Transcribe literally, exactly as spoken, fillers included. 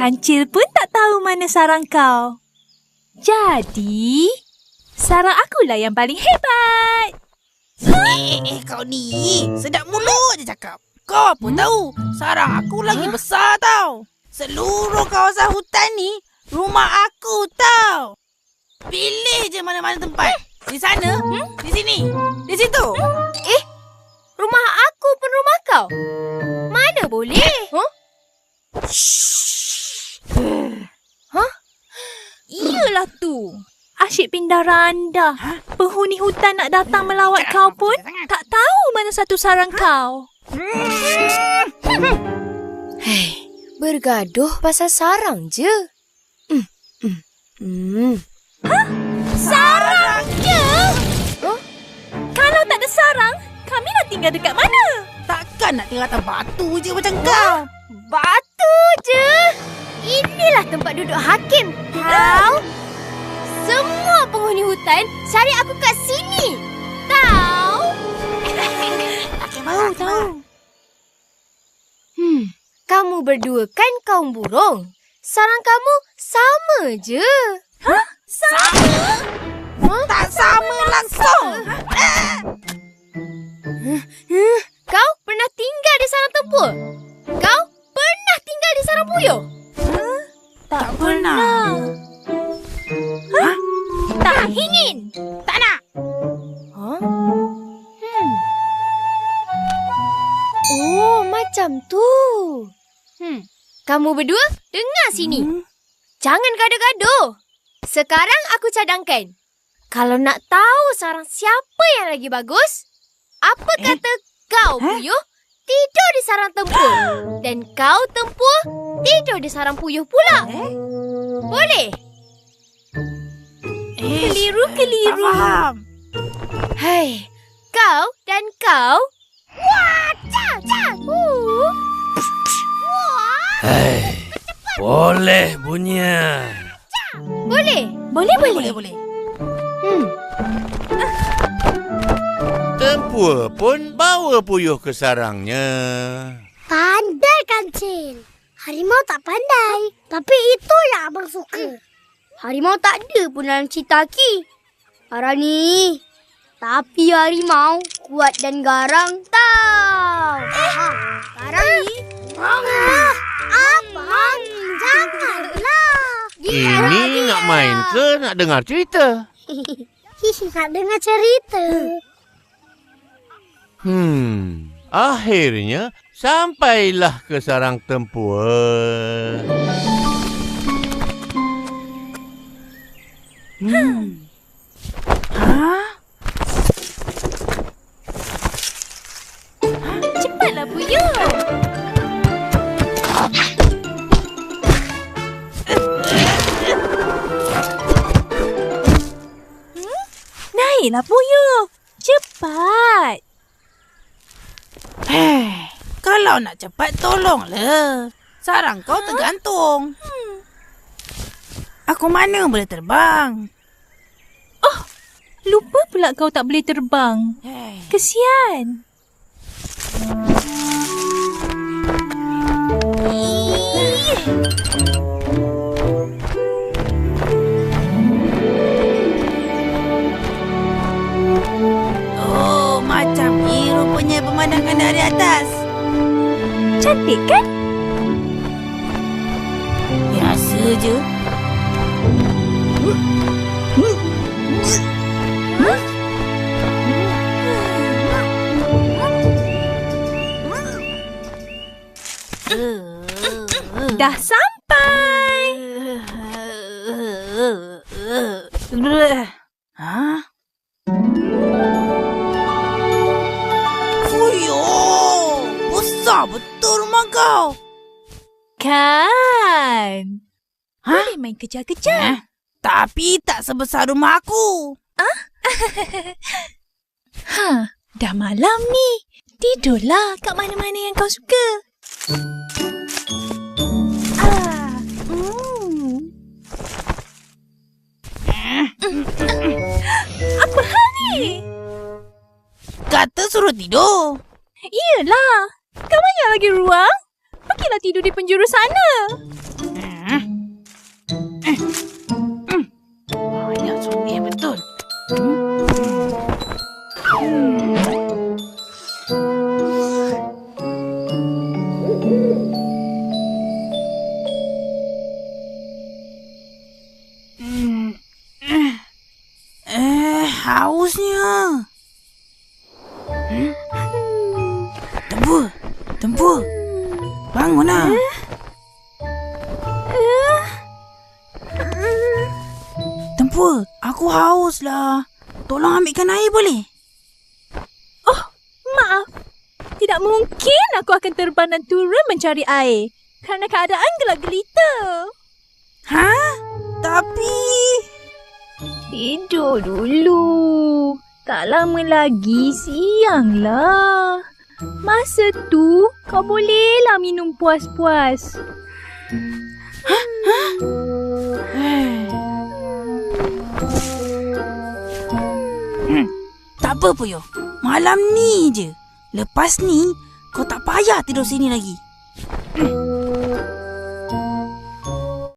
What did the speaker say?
Kancil pun tak tahu mana sarang kau. Jadi, sarang akulah yang paling hebat. Eh, eh, kau ni sedap mulut je cakap. Kau apa tahu, sarang aku lagi besar tau. Seluruh kawasan hutan ni rumah aku tau. Pilih je mana-mana tempat. Di sana, hmm? Di sini, di situ. Eh, rumah aku pun rumah kau. Mana boleh? Huh? Hah? Iyalah tu. Asyik pindah randa. Ha? Penghuni hutan nak datang melawat kau pun tak tahu mana satu sarang kau. Hei, bergaduh pasal sarang je. Hmm. Hmm. Hmm. Hah? Sarang je? Huh? Kalau tak ada sarang, kami nak tinggal dekat mana? Takkan nak tinggal atas batu je macam kau. Batu je? Inilah tempat duduk hakim. Tahu? Semua penghuni hutan cari aku kat sini. Tahu? Tahu, tahu. Hmm, kamu berdua kan kaum burung. Sarang kamu sama je. Hah? Sama? Huh? Tak sama langsung. Kau pernah tinggal di sarang tempur? Kau pernah tinggal di sarang puyuh? Huh? Tak, tak pernah. Hah? Tak ingin. Tak nak. Huh? Hmm. Oh, macam tu. Hmm. Kamu berdua dengar sini. Hmm. Jangan gaduh-gaduh. Sekarang aku cadangkan. Kalau nak tahu sarang siapa yang lagi bagus, apa eh? kata kau puyuh tidur di sarang tempur dan kau tempur tidur di sarang puyuh pula. Eh? Boleh? Eh, keliru-keliru. Faham. Hai, kau dan kau. Wah, cah, cah. Uh. Hai, boleh bunyian. Boleh? Boleh, boleh. Boleh, boleh. Hmm. Tempur pun bawa puyuh ke sarangnya. Pandai, Kancil. Harimau tak pandai. Tapi itu yang abang suka. Harimau tak ada pun dalam cerita Ki. Harang ni. Tapi harimau kuat dan garang tau. Eh, Garang ni. Ah, abang, janganlah. Ini nak main ke nak dengar cerita? Nak dengar cerita. Hmm, akhirnya sampailah ke sarang tempur. Hmm. Hah? Cepatlah puyuh. Hmm? Naiklah puyuh. Cepat. Hei, kalau nak cepat tolonglah. Sarang kau tergantung. Hmm. Aku mana boleh terbang? Oh, lupa pula kau tak boleh terbang. Hey. Kesian. Oh, macam ni rupanya pemandangan dari atas. Cantik kan? Biasa je. Dah sampai. Hah? Fuyuh, besar betul rumah kau. Kan? Hah? Boleh main kejar-kejar. Eh, tapi tak sebesar rumah aku. Ah? Ha, dah malam ni. Tidurlah kat mana-mana yang kau suka. Ah, mm. Apa hal ni? Kata suruh tidur. Iyalah. Kau banyak lagi ruang. Pergilah tidur di penjuru sana. Banyak songeh betul. Hmm. Eh, hausnya. Hmm? Tempur, tempur. Bangunlah. Tempur, aku haus lah. Tolong ambilkan air boleh? Oh, maaf. Tidak mungkin aku akan terbang dan turun mencari air. Kerana keadaan gelap gelita. Ha? Tapi... Tidur dulu. Tak lama lagi siang lah. Masa tu kau bolehlah minum puas-puas. Hmm, tak apa Puyo. Malam ni je. Lepas ni, kau tak payah tidur sini lagi.